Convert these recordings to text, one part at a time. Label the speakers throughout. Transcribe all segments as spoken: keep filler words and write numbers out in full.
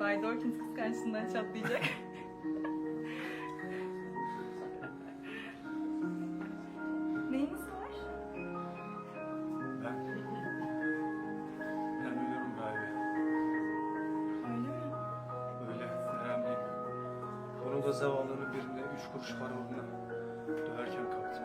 Speaker 1: Bay Dawkins kıskançlığından çatlayacak. Neyiniz var?
Speaker 2: Ben... Ben ölüyorum galiba.
Speaker 1: Öyle mi?
Speaker 2: Öyle, önemliyim. Onu da zavallının birinde üç kuruş para uğruna döverken kaptım.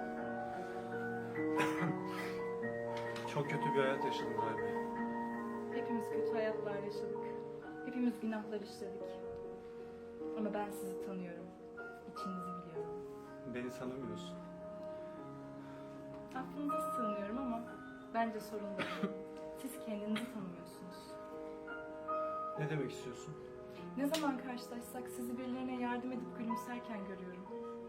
Speaker 2: Çok kötü bir hayat yaşadım galiba.
Speaker 1: Hepimiz kötü hayatlar yaşadık. Hepimiz günahlar işledik. Ama ben sizi tanıyorum. İçinizi biliyorum.
Speaker 2: Beni tanımıyorsun.
Speaker 1: Aklınıza sığınıyorum ama bence sorun değil. Siz kendinizi tanımıyorsunuz.
Speaker 2: Ne demek istiyorsun?
Speaker 1: Ne zaman karşılaşsak sizi birilerine yardım edip gülümserken görüyorum.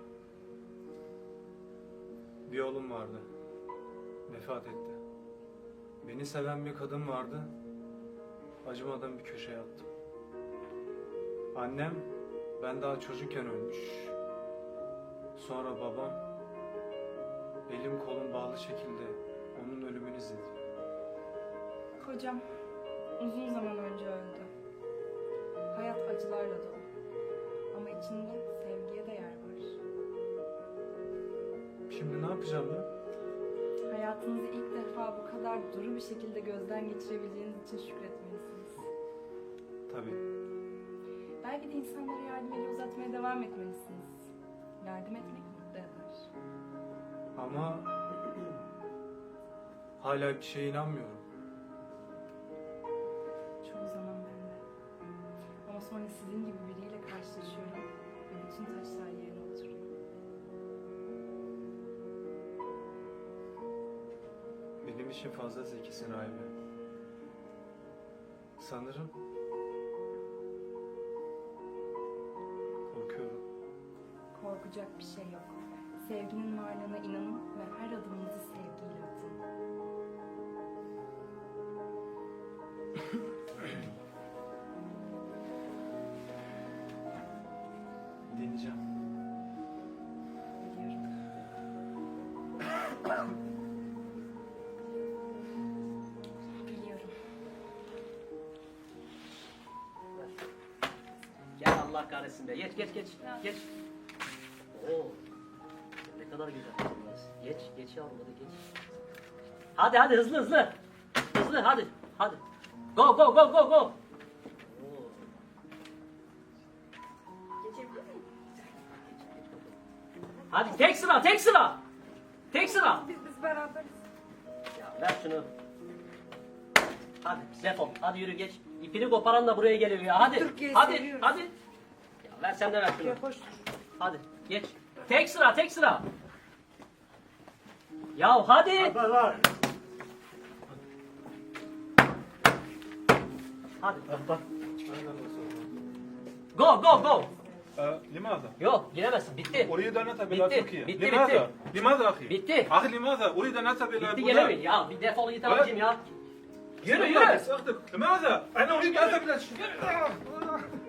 Speaker 2: Bir oğlum vardı. Vefat etti. Beni seven bir kadın vardı. Acımadan bir köşeye attım. Annem ben daha çocukken ölmüş. Sonra babam elim kolum bağlı şekilde onun ölümünü izledi.
Speaker 1: Kocam uzun zaman önce öldü. Hayat acılarla dolu. Ama içinde sevgiye de yer var.
Speaker 2: Şimdi ne yapacağım ben?
Speaker 1: Hayatınızı ilk defa bu kadar duru bir şekilde gözden geçirebildiğiniz için şükretmelisiniz.
Speaker 2: Tabii.
Speaker 1: Belki de insanlara yardım eli uzatmaya devam etmelisiniz. Yardım etmek mutlu eder.
Speaker 2: Ama hala bir şeye inanmıyorum.
Speaker 1: Çoğu zaman ben de. Ama sonra sizin gibi biriyle karşılaşıyorum ve bütün taşlar yerine oturuyor.
Speaker 2: Benim için fazla zekisin Rahibe. Sanırım korkuyorum.
Speaker 1: Korkacak bir şey yok. Sevginin varlığına inanın ve her adımınızı sevgiyle atın.
Speaker 2: Deneyeceğim.
Speaker 1: Biliyorum. Biliyorum.
Speaker 3: Gel Allah kahretsin be. Geç geç geç. Geç. Oo. Ne kadar güzel kızımız. Geç geç yavrum hadi geç. Hadi hadi hızlı hızlı. Hızlı hadi. Hadi. Go go go go go. Oo. Hadi tek sıra tek sıra. Tek sıra.
Speaker 1: Biz, biz beraberiz.
Speaker 3: Ya ver şunu. Hadi defol. Hadi yürü geç. İpini koparan da buraya geliyor ya. Hadi.
Speaker 1: Türkiye'yi
Speaker 3: Hadi.
Speaker 1: seviyoruz.
Speaker 3: Hadi. Ya ver sen de ver şunu.
Speaker 1: Hoş.
Speaker 3: Hadi geç. Tek sıra tek sıra. Ya hadi. Hadi. Go go go.
Speaker 4: لماذا؟
Speaker 3: Yok giremezsin. Bitti.
Speaker 4: أريد أن أذهب إلى
Speaker 3: Bitti,
Speaker 4: تركيا.
Speaker 3: bitti,
Speaker 4: لماذا؟
Speaker 3: bitti.
Speaker 4: لماذا أخي؟
Speaker 3: Bitti.
Speaker 4: أخي لماذا؟ أريد أن أذهب إلى
Speaker 3: Bitti
Speaker 4: بلاد.
Speaker 3: gelemeyin ya. Bir defol git abicim ya. Yürü yürü.
Speaker 4: لماذا؟ لماذا؟ أنا أريد أن أذهب إلى